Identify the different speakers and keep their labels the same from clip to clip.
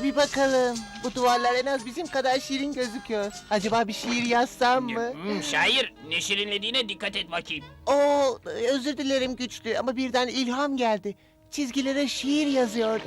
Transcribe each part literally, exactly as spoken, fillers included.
Speaker 1: Hadi bir bakalım. Bu duvarlar en az bizim kadar şirin gözüküyor. Acaba bir şiir yazsam mı?
Speaker 2: Hmm, şair, ne şirinlediğine dikkat et bakayım.
Speaker 1: Oo, özür dilerim güçlü ama birden ilham geldi. Çizgilere şiir yazıyordum.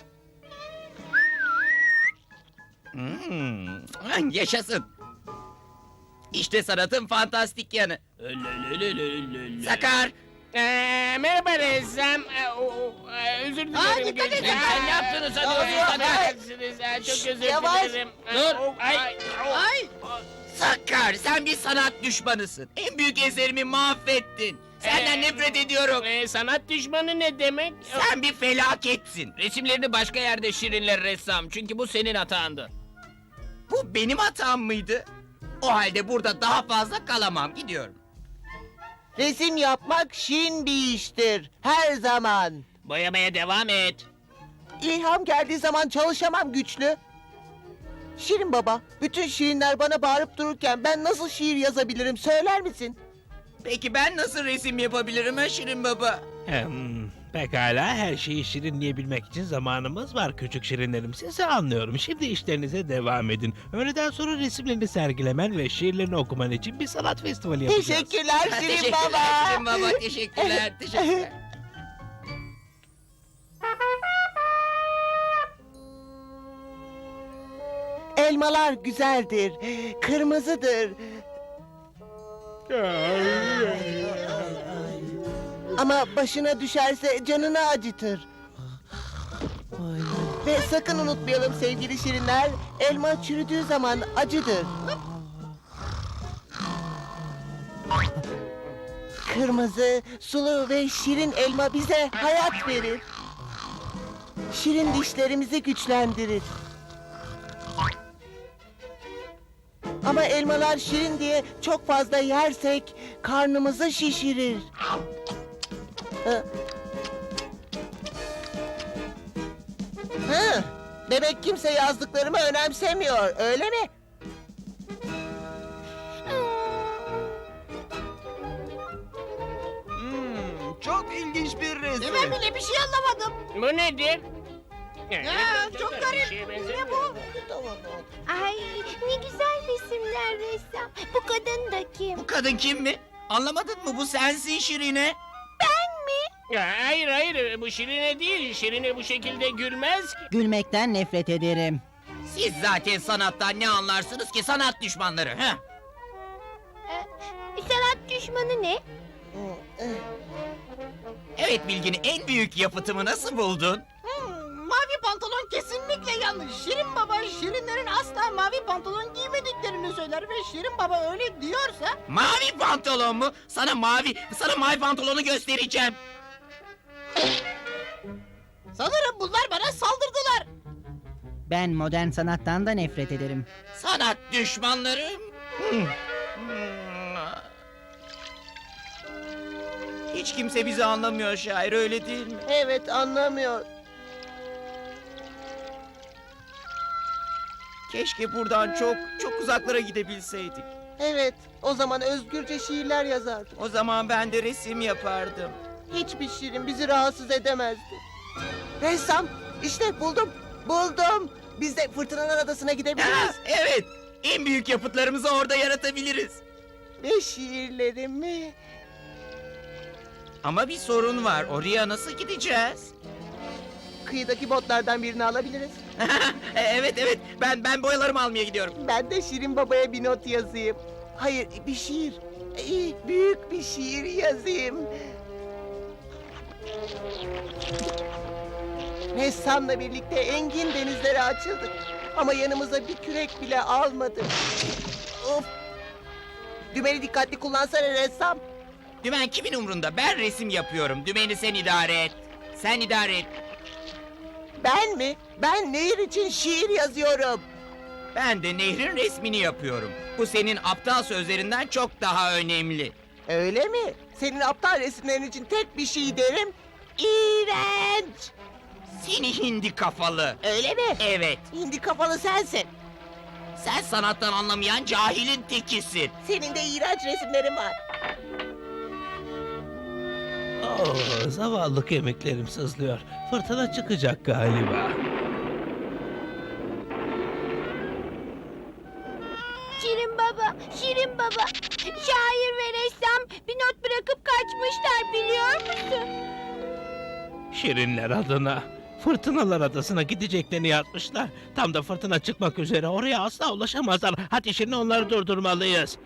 Speaker 3: Hmm, yaşasın. İşte sanatın fantastik yanı. Sakar,
Speaker 2: Ee, merhaba ressam. Ee, o- o- e, özür dilerim.
Speaker 1: Aa, dikkat
Speaker 2: Gülşen.
Speaker 1: edin.
Speaker 2: Sen ne yaptınız? Hadi
Speaker 1: Aa,
Speaker 2: oraya
Speaker 1: aa,
Speaker 2: affedersiniz. Ee, Çok
Speaker 1: Şşş,
Speaker 2: özür
Speaker 1: yavaş.
Speaker 2: dilerim. Ee,
Speaker 3: Dur.
Speaker 2: o- Ay.
Speaker 1: Ay.
Speaker 3: Sakar, sen bir sanat düşmanısın. En büyük eserimi mahvettin. Senden
Speaker 2: Ee,
Speaker 3: nefret ediyorum.
Speaker 2: Ee, sanat düşmanı ne demek?
Speaker 3: Sen bir felaketsin.
Speaker 2: Resimlerini başka yerde şirinler ressam. Çünkü bu senin hatandı.
Speaker 3: Bu benim hatam mıydı? O halde burada daha fazla kalamam, gidiyorum.
Speaker 1: Resim yapmak şirin bir iştir. Her zaman.
Speaker 2: Boyamaya devam et.
Speaker 1: İlham geldiği zaman çalışamam güçlü. Şirin baba, bütün şirinler bana bağırıp dururken ben nasıl şiir yazabilirim söyler misin?
Speaker 3: Peki ben nasıl resim yapabilirim ha Şirin Baba?
Speaker 4: Hmm, pekala, her şeyi şirinleyebilmek için zamanımız var küçük şirinlerim. Sizi anlıyorum. Şimdi işlerinize devam edin. Öğleden sonra resimlerini sergilemen ve şiirlerini okuman için bir sanat festivali yapacağız.
Speaker 1: Teşekkürler Şirin
Speaker 3: teşekkürler
Speaker 1: baba.
Speaker 3: Şirin Baba, teşekkürler, teşekkürler.
Speaker 1: Elmalar güzeldir, kırmızıdır. Ama başına düşerse canını acıtır. Ve sakın unutmayalım sevgili şirinler, elma çürüdüğü zaman acıdır. Kırmızı, sulu ve şirin elma bize hayat verir. Şirin dişlerimizi güçlendirir. Ama elmalar şirin diye çok fazla yersek karnımızı şişirir. Hı. Hı. Demek kimse yazdıklarımı önemsemiyor, öyle mi?
Speaker 3: Hmm, çok ilginç bir resim.
Speaker 1: Ben bile bir şey anlamadım.
Speaker 2: Bu nedir?
Speaker 1: Ya, çok garip.
Speaker 2: Ne
Speaker 1: bu?
Speaker 5: Ay ne güzel resimler ressam. Bu kadın da kim?
Speaker 3: Bu kadın kim mi? Anlamadın mı? Bu sensin Şirine.
Speaker 2: Hayır hayır, bu şirine değil. Şirine bu şekilde gülmez ki.
Speaker 6: Gülmekten nefret ederim.
Speaker 3: Siz zaten sanattan ne anlarsınız ki, sanat düşmanları? Heh.
Speaker 5: Ee, sanat düşmanı ne?
Speaker 3: Evet Bilgin, en büyük yapıtımı nasıl buldun?
Speaker 7: Mavi pantolon kesinlikle yanlış. Şirin Baba Şirinlerin asla mavi pantolon giymediklerini söyler ve Şirin Baba öyle diyorsa
Speaker 3: Mavi pantolon mu? Sana mavi, sana mavi pantolonu göstereceğim.
Speaker 7: sanırım bunlar bana saldırdılar.
Speaker 6: Ben modern sanattan da nefret ederim.
Speaker 3: Sanat düşmanlarım. Hmm. Hmm. Hiç kimse bizi anlamıyor şair, öyle değil mi?
Speaker 1: Evet, anlamıyor.
Speaker 3: Keşke buradan çok çok uzaklara gidebilseydik.
Speaker 1: Evet, o zaman özgürce şiirler yazardım.
Speaker 3: O zaman ben de resim yapardım.
Speaker 1: Hiçbir şirin bizi rahatsız edemezdi. Ressam, işte buldum, buldum. Biz de Fırtınalar Adası'na
Speaker 3: Ha,
Speaker 1: gidebiliriz.
Speaker 3: evet, en büyük yapıtlarımızı orada yaratabiliriz.
Speaker 1: Ve şiirlerimi...
Speaker 3: Ama bir sorun var, oraya nasıl gideceğiz?
Speaker 1: Kıyıdaki botlardan birini alabiliriz.
Speaker 3: E, evet evet, ben ben boyalarımı almaya gidiyorum.
Speaker 1: Ben de Şirin Baba'ya bir not yazayım. Hayır, bir şiir. İyi, büyük bir şiir yazayım. Ressamla birlikte engin denizlere açıldık. Ama yanımıza bir kürek bile almadık. Of! Dümeni dikkatli kullansana ressam.
Speaker 3: Dümen kimin umrunda? Ben resim yapıyorum. Dümeni sen idare et. Sen idare et.
Speaker 1: Ben mi? Ben nehir için şiir yazıyorum.
Speaker 3: Ben de nehrin resmini yapıyorum. Bu senin aptal sözlerinden çok daha önemli.
Speaker 1: Öyle mi? Senin aptal resimlerin için tek bir şey derim. İğrenç!
Speaker 3: Seni hindi kafalı.
Speaker 1: Öyle mi?
Speaker 3: Evet,
Speaker 1: Hindi kafalı sensin.
Speaker 3: sen sanattan anlamayan cahilin tekisin.
Speaker 1: Senin de iğrenç resimlerin var.
Speaker 4: Oh, zavallı kemiklerim sızlıyor. Fırtına çıkacak galiba.
Speaker 5: Şirin baba, Şirin baba. Şair ve ressam bir not bırakıp kaçmışlar biliyor musun?
Speaker 4: Şirinler adına Fırtınalar Adası'na gideceklerini yazmışlar. Tam da fırtına çıkmak üzere, oraya asla ulaşamazlar. Hadi şimdi onları durdurmalıyız.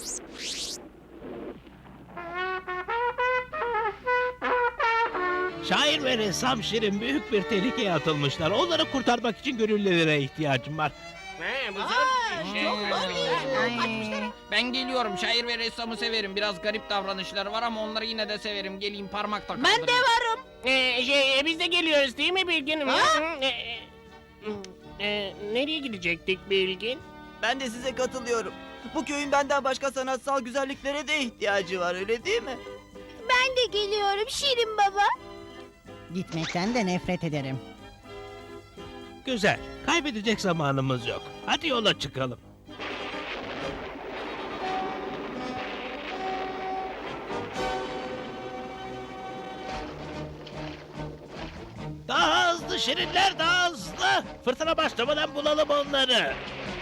Speaker 4: Şair ve ressam Şirin büyük bir tehlikeye atılmışlar. Onları kurtarmak için gönüllülere ihtiyacım var.
Speaker 2: Ha, bu
Speaker 7: Aa,
Speaker 2: zor bir şey.
Speaker 7: çok zor bir iş.
Speaker 3: Ay,
Speaker 7: Kaçmışlar.
Speaker 3: ben geliyorum. Şair ve ressamı severim. Biraz garip davranışları var ama onları yine de severim. Geleyim parmakla kaldırayım.
Speaker 7: Ben de varım.
Speaker 2: Ee, şey, e, biz de geliyoruz değil mi Bilgin?
Speaker 7: Ha?
Speaker 2: Hı, e, e, e, nereye gidecektik Bilgin?
Speaker 8: Ben de size katılıyorum. Bu köyün benden başka sanatsal güzelliklere de ihtiyacı var, öyle değil mi?
Speaker 5: Ben de geliyorum Şirin baba.
Speaker 6: Gitmekten de nefret ederim.
Speaker 4: Güzel. Kaybedecek zamanımız yok. Hadi yola çıkalım. Daha hızlı Şirinler, daha hızlı. Fırtına başlamadan bulalım onları.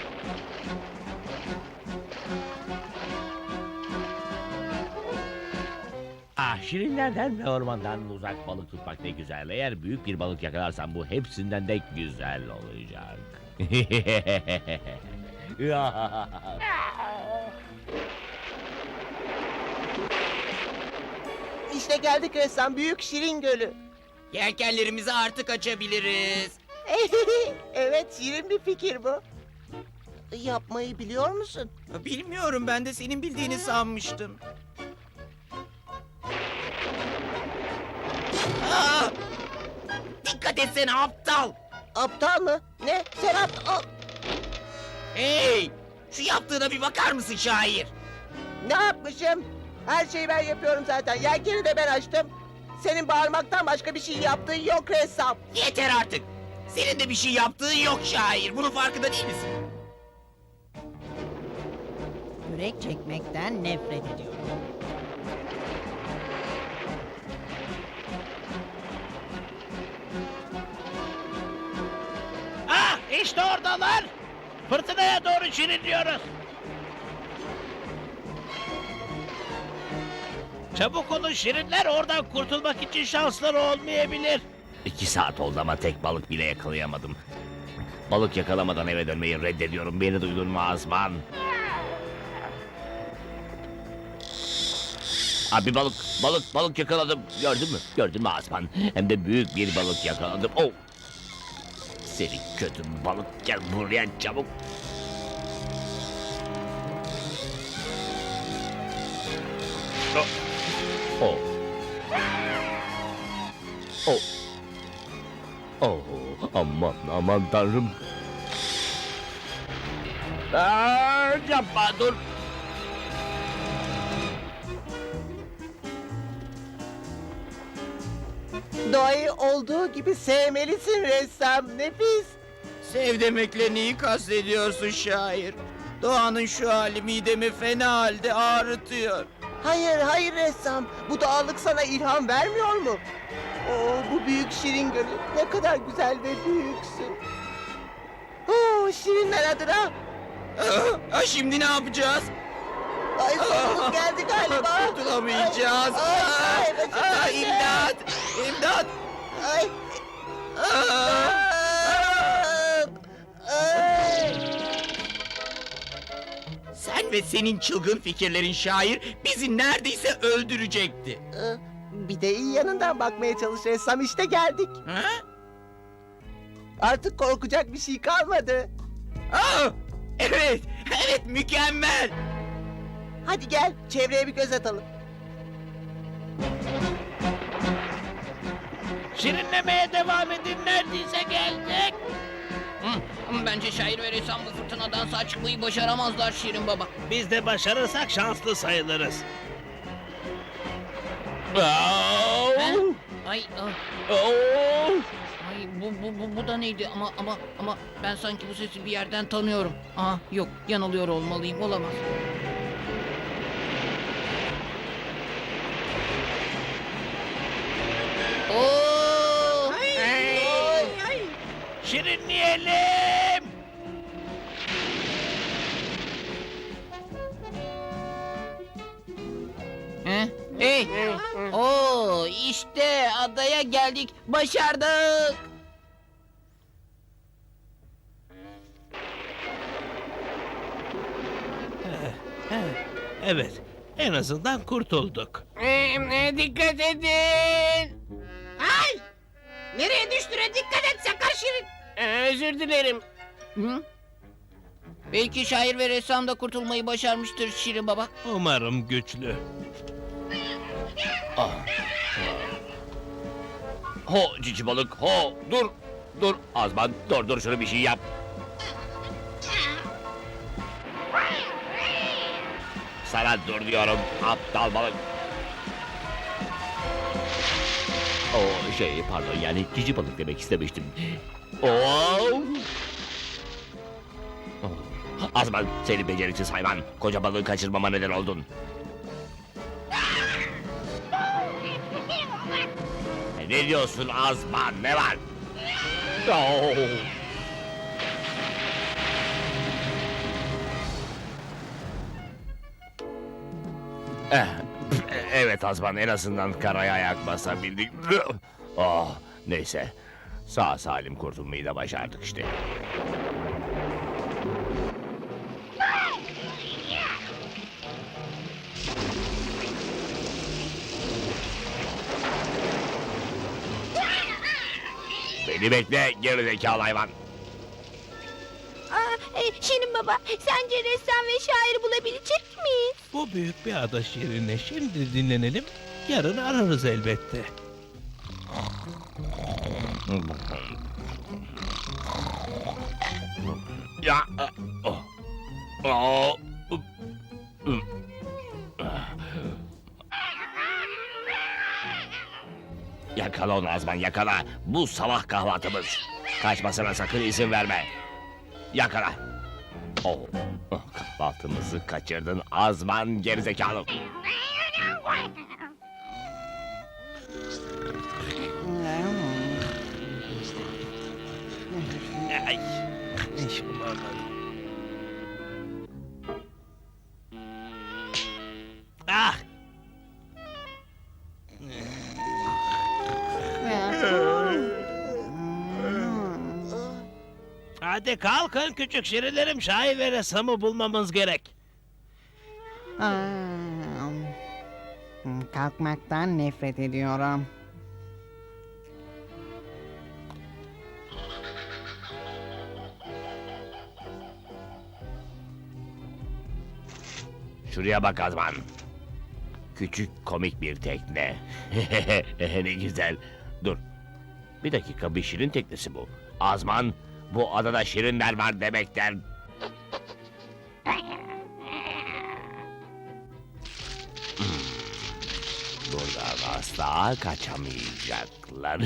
Speaker 9: Ah, şirinlerden ve ormandan uzak balık tutmak ne güzel. Eğer büyük bir balık yakalarsan bu hepsinden de güzel olacak.
Speaker 1: İşte geldik ressam, Büyük Şirin Gölü.
Speaker 3: Yelkenlerimizi artık açabiliriz.
Speaker 1: Evet, şirin bir fikir bu. Yapmayı biliyor musun?
Speaker 3: Bilmiyorum, ben de senin bildiğini sanmıştım. Aa! Dikkat etsene aptal!
Speaker 1: Aptal mı? Ne? Sen aptal...
Speaker 3: Hey! Şu yaptığına bir bakar mısın şair?
Speaker 1: Ne yapmışım? Her şeyi ben yapıyorum zaten. Yelkeni de ben açtım. Senin bağırmaktan başka bir şey yaptığın yok ressam.
Speaker 3: Yeter artık! Senin de bir şey yaptığın yok şair. Bunun farkında değil misin?
Speaker 6: Kürek çekmekten nefret ediyorum.
Speaker 4: Ah, işte oradalar. Fırtınaya doğru şirinliyoruz. Çabuk olun Şirinler, oradan kurtulmak için şansları olmayabilir.
Speaker 9: İki saat oldu ama tek balık bile yakalayamadım. Balık yakalamadan eve dönmeyi reddediyorum. Beni duydun mu Azman? Abi balık, balık, balık yakaladım. Gördün mü? Gördün mü Azman? Hem de büyük bir balık yakaladım. Oh! Seni kötü balık, gel buraya çabuk. Oh! Oh! Oh! Oh! Aman aman tanrım! Aa, yapma dur!
Speaker 1: Doğayı olduğu gibi sevmelisin ressam. Nefis.
Speaker 3: Sev demekle neyi kastediyorsun şair? Doğanın şu hali midemi fena halde ağrıtıyor.
Speaker 1: Hayır, hayır ressam. Bu doğallık sana ilham vermiyor mu? Oo, bu büyük şirin gölü. Ne kadar güzel ve büyüksün. Oo, şirinler adına.
Speaker 3: Ah, ah, şimdi ne yapacağız?
Speaker 1: Ay sonumuz geldi galiba.
Speaker 3: Kurtulamayacağız.
Speaker 1: Ay,
Speaker 3: Ah,
Speaker 1: ay, başım
Speaker 3: ah,
Speaker 1: döndü.
Speaker 3: imdat! İmdat!
Speaker 1: Ay.
Speaker 3: Ah!
Speaker 1: Ay.
Speaker 3: Sen ve senin çılgın fikirlerin şair bizi neredeyse öldürecekti.
Speaker 1: Ee, Bir de iyi yanından bakmaya çalış ressam. İşte geldik.
Speaker 3: Ha?
Speaker 1: Artık korkacak bir şey kalmadı.
Speaker 3: Ah! Evet, evet mükemmel.
Speaker 1: Hadi gel, çevreye bir göz atalım.
Speaker 4: Şirinlemeye devam edin, neredeyse geldik.
Speaker 3: Hı, bence şair ve ressam bu fırtınadan sağ çıkmayı başaramazlar Şirin Baba.
Speaker 4: Biz de başarırsak şanslı sayılırız. Oh!
Speaker 3: Ay, ah,
Speaker 4: Oh!
Speaker 3: ay bu, bu, bu, bu da neydi ama ama ama ben sanki bu sesi bir yerden tanıyorum. Aa yok, yanılıyor olmalıyım, olamaz. Oo!
Speaker 4: Şirinleyelim.
Speaker 3: Hey! Oo, işte adaya geldik. Başardık.
Speaker 4: Evet, en azından kurtulduk.
Speaker 2: Ee, e, dikkat edin.
Speaker 7: Ay! Nereye düştüğüne dikkat et sakar Şirin.
Speaker 2: Ee, özür dilerim.
Speaker 3: Hı? Belki şair ve ressam da kurtulmayı başarmıştır Şirin Baba.
Speaker 4: Umarım güçlü.
Speaker 9: Ho cici balık ho dur. Dur Azman dur dur şunu bir şey yap. Sana dur diyorum aptal balık. O şey pardon yani cici balık demek istemiştim. Oo. Azman seni beceriksiz hayvan. Koca balığı kaçırmama neden oldun. Ne diyorsun Azman ne var? Oo. Eh, evet Azman en azından karaya ayak basabildik. Oh, neyse. Sağ salim kurtulmayı da başardık işte. Beni bekle gerizekalı hayvan.
Speaker 5: Aa, e, Şirin Baba, sence ressam ve şairi bulabilecek miyiz?
Speaker 4: Bu büyük bir ada şirinle şimdi dinlenelim. Yarın ararız elbette.
Speaker 9: Ya. Oh. Oh. Yakala onu Azman yakala. Bu sabah kahvaltımız. Kaçmasına sakın izin verme. Yakala. Oh. Oh, kahvaltımızı kaçırdın Azman gerizekalı.
Speaker 4: Ay. Hiç bulamadım. Ah! Hadi kalkın küçük şirinlerim, şair ve ressamı bulmamız gerek.
Speaker 6: Aa, kalkmaktan nefret ediyorum.
Speaker 9: Şuraya bak Azman. Küçük komik bir tekne. Ne güzel. Dur. Bir dakika bir şirin teknesi bu. Azman bu adada şirinler var demekten. Hmm. Buradan asla kaçamayacaklar.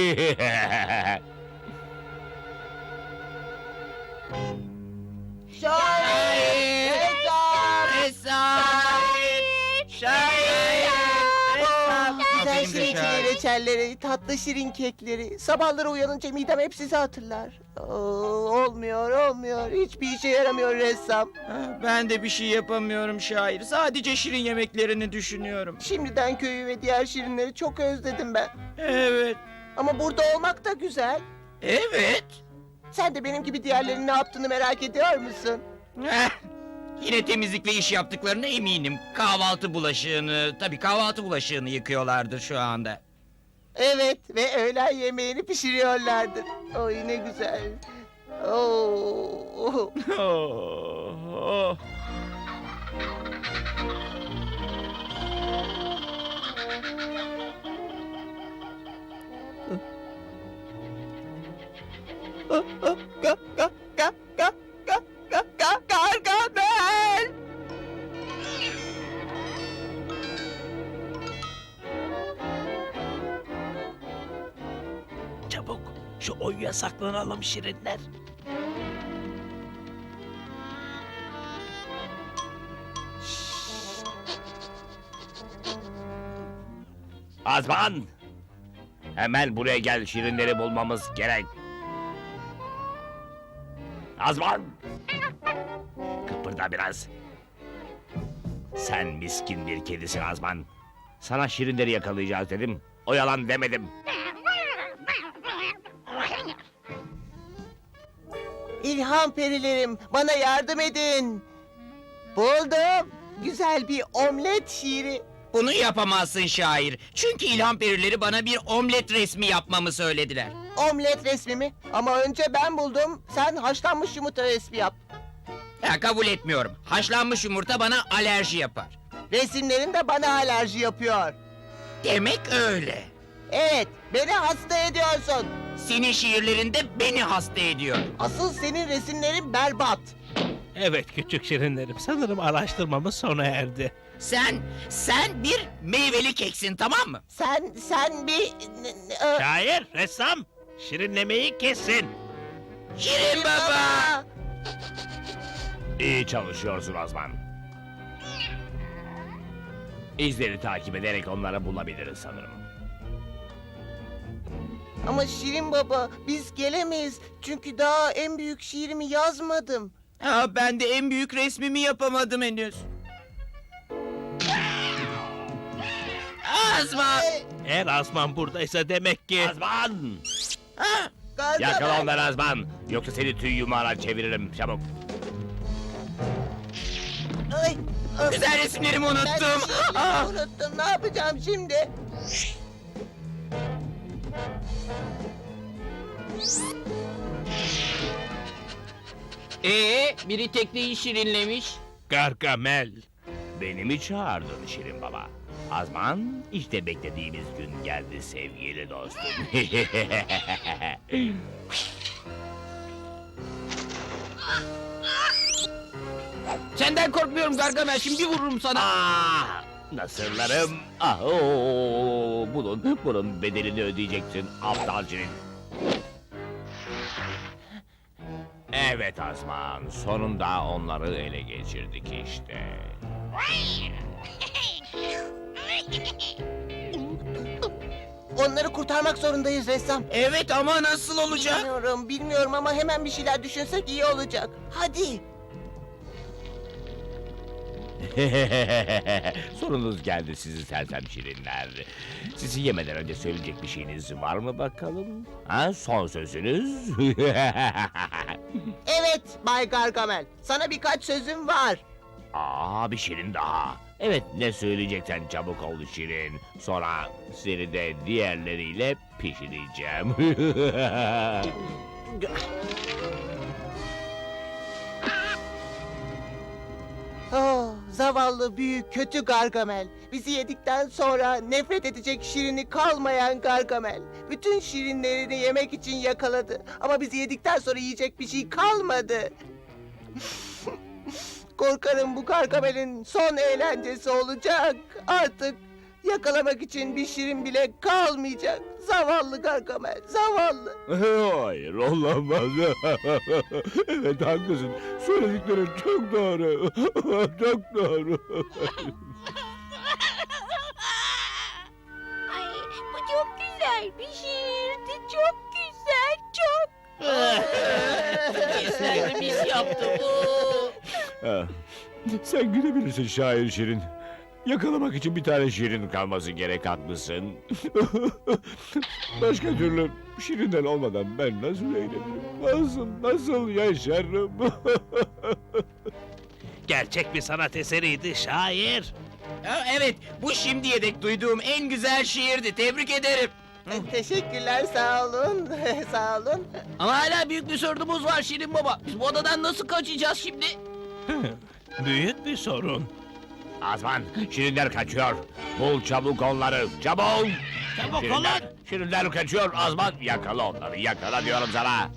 Speaker 1: Şair! Ressam!
Speaker 3: Ressam! Şair!
Speaker 1: Oh, güzel
Speaker 3: Benim de
Speaker 1: şirin
Speaker 3: şair.
Speaker 1: reçelleri, tatlı şirin kekleri. Sabahları uyanınca midem hep sizi hatırlar. Oo, olmuyor, olmuyor. Hiçbir işe yaramıyor ressam.
Speaker 10: Ben de bir şey yapamıyorum şair. Sadece şirin yemeklerini düşünüyorum.
Speaker 1: Şimdiden köyü ve diğer şirinleri çok özledim ben.
Speaker 10: Evet,
Speaker 1: Ama burada olmak da güzel.
Speaker 10: evet.
Speaker 1: Sen de benim gibi diğerlerinin ne yaptığını merak ediyor musun?
Speaker 10: Heh, yine temizlikle iş yaptıklarına eminim. Kahvaltı bulaşığını, tabii kahvaltı bulaşığını yıkıyorlardır şu anda.
Speaker 1: Evet ve öğlen yemeğini pişiriyorlardır. Oy ne güzel. Oo.
Speaker 10: Oh, oh.
Speaker 1: Ga ga ga ga ga ga ga ga Gargamel.
Speaker 4: Çabuk şu oyuya saklanalım şirinler.
Speaker 9: Azman! Hemen buraya gel şirinleri bulmamız gerek. Azman! Kıpırda biraz. Sen miskin bir kedisin Azman. Sana şirinleri yakalayacağız dedim. O yalan demedim.
Speaker 1: İlham perilerim, bana yardım edin. Buldum. Güzel bir omlet şiiri.
Speaker 10: Bunu yapamazsın şair. Çünkü ilham perileri bana bir omlet resmi yapmamı söylediler.
Speaker 1: Omlet resmi mi? Ama önce ben buldum. Sen haşlanmış yumurta resmi yap.
Speaker 10: Ya, kabul etmiyorum. Haşlanmış yumurta bana alerji yapar.
Speaker 1: Resimlerin de bana alerji yapıyor.
Speaker 10: Demek öyle.
Speaker 1: Evet, beni hasta ediyorsun.
Speaker 10: Senin şiirlerinde beni hasta ediyor.
Speaker 1: Asıl senin resimlerin berbat.
Speaker 4: Evet küçük şirinlerim, sanırım araştırmamız sona erdi.
Speaker 10: Sen, sen bir meyveli keksin, tamam mı?
Speaker 1: Sen, sen bir... n- n- e,
Speaker 4: Şair, ressam, şirinlemeyi kesin.
Speaker 10: Şirin baba!
Speaker 9: İyi çalışıyorsun Azman. İzleri takip ederek onları bulabiliriz sanırım.
Speaker 1: Ama Şirin Baba, biz gelemeyiz. Çünkü daha en büyük şiirimi yazmadım.
Speaker 10: Ha, ben de en büyük resmimi yapamadım henüz. Azman!
Speaker 4: Eğer Azman buradaysa demek ki...
Speaker 9: Azman!
Speaker 10: Ha,
Speaker 1: Gargamel.
Speaker 9: Yakala onları Azman. Yoksa seni tüy yumağına çeviririm. Çabuk.
Speaker 1: Ay, ay.
Speaker 10: güzel resimlerimi
Speaker 1: Ben
Speaker 10: unuttum.
Speaker 1: şiirimi
Speaker 10: Ah!
Speaker 1: unuttum. Ne yapacağım şimdi?
Speaker 3: Ee, biri tekneyi şirinlemiş.
Speaker 4: Gargamel.
Speaker 9: Beni mi çağırdın Şirin Baba? Azman, işte beklediğimiz gün geldi sevgili dostum.
Speaker 3: Senden korkmuyorum Gargamel, şimdi vururum sana.
Speaker 9: Ah, nasırlarım. Ah, oo, bunun, bunun bedelini ödeyeceksin aptal Şirin. Evet Azman, sonunda onları ele geçirdik işte.
Speaker 1: Onları kurtarmak zorundayız ressam.
Speaker 10: Evet ama nasıl olacak?
Speaker 1: Bilmiyorum, bilmiyorum ama hemen bir şeyler düşünsek iyi olacak. Hadi.
Speaker 9: Sorunuz geldi sizi sersem şirinler. Sizi yemeden önce söyleyecek bir şeyiniz var mı bakalım? Ha, son sözünüz?
Speaker 1: Evet Bay Gargamel, sana birkaç sözüm var.
Speaker 9: Aa, bir şirin daha. Evet, ne söyleyeceksen çabuk ol şirin. Sonra seni de diğerleriyle pişireceğim.
Speaker 1: Oh, zavallı büyük kötü Gargamel. Bizi yedikten sonra nefret edecek şirini kalmayan Gargamel. Bütün şirinlerini yemek için yakaladı. Ama bizi yedikten sonra yiyecek bir şey kalmadı. Korkarım bu Gargamel'in son eğlencesi olacak. Artık yakalamak için bir şirin bile kalmayacak. Zavallı Gargamel, zavallı.
Speaker 9: Hayır, olamaz. Evet, haklısın. Söylediklerin çok doğru. Çok doğru.
Speaker 5: Ay, bu çok güzel bir şiirdi. Çok güzel, çok.
Speaker 3: Kesinlikle biz yaptık bu.
Speaker 9: Ah, sen gülebilirsin şair şirin. Yakalamak için bir tane şirin kalması gerek, haklısın. Başka türlü şirinden olmadan ben nasıl eğlenirim? Nasıl, nasıl yaşarım?
Speaker 4: Gerçek bir sanat eseriydi şair.
Speaker 10: Ha, evet, bu şimdiye dek duyduğum en güzel şiirdi. Tebrik ederim.
Speaker 1: Teşekkürler, sağ olun. Sağ olun.
Speaker 3: Ama hala büyük bir sorunumuz var Şirin Baba. Biz bu odadan nasıl kaçacağız şimdi?
Speaker 4: Büyük bir sorun.
Speaker 9: Azman, şirinler kaçıyor. Bul çabuk onları, çabuk!
Speaker 4: Çabuk
Speaker 9: Şirinler,
Speaker 4: olun.
Speaker 9: şirinler kaçıyor Azman. Yakala onları, yakala diyorum sana.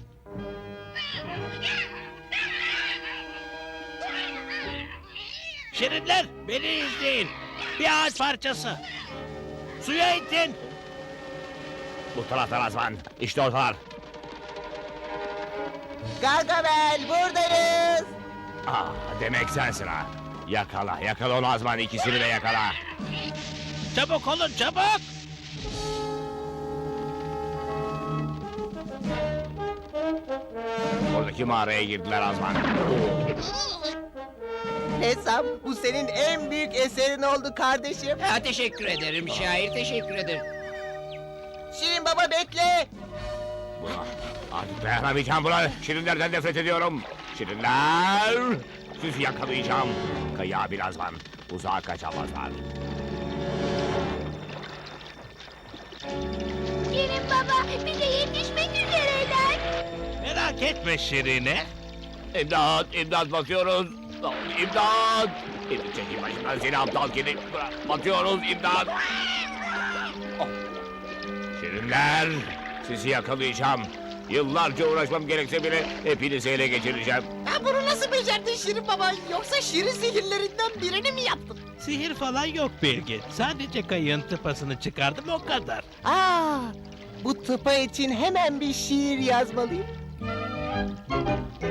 Speaker 4: Şirinler, beni izleyin. Bir ağaç parçası. Suya itin.
Speaker 9: Bu taraftan Azman, işte ortalar.
Speaker 1: Gargamel, buradayız.
Speaker 9: Ah, demek sensin ha. Yakala, yakala onu Azman, ikisini de yakala.
Speaker 4: Çabuk olun, çabuk.
Speaker 9: Oradaki mağaraya girdiler Azman.
Speaker 1: ressam, bu senin en büyük eserin oldu kardeşim.
Speaker 3: Ha, teşekkür ederim şair, teşekkür ederim.
Speaker 1: Şirin Baba bekle.
Speaker 9: Buna, artık dayanamayacağım buna. Şirinlerden nefret ediyorum. Şirinler! Sizi yakalayacağım. Kaya birazdan. Uzağa kaçamazlar.
Speaker 5: Şirin baba bize yetişmek üzereler.
Speaker 4: Merak etme Şirine.
Speaker 9: İmdat, imdat batıyoruz. İmdat! İmdat çekil başımdan seni aptal kedi. Bırak, batıyoruz imdat. Oh. Şirinler, sizi yakalayacağım. Yıllarca uğraşmam gerekse bile hepinizi ele geçireceğim.
Speaker 7: Ha, bunu nasıl becerdin Şirin baba? Yoksa şirin sihirlerinden birini mi yaptın?
Speaker 4: Sihir falan yok Bilgin. Sadece kayığın tıpasını çıkardım o kadar.
Speaker 1: Aa, bu tıpa için hemen bir şiir yazmalıyım.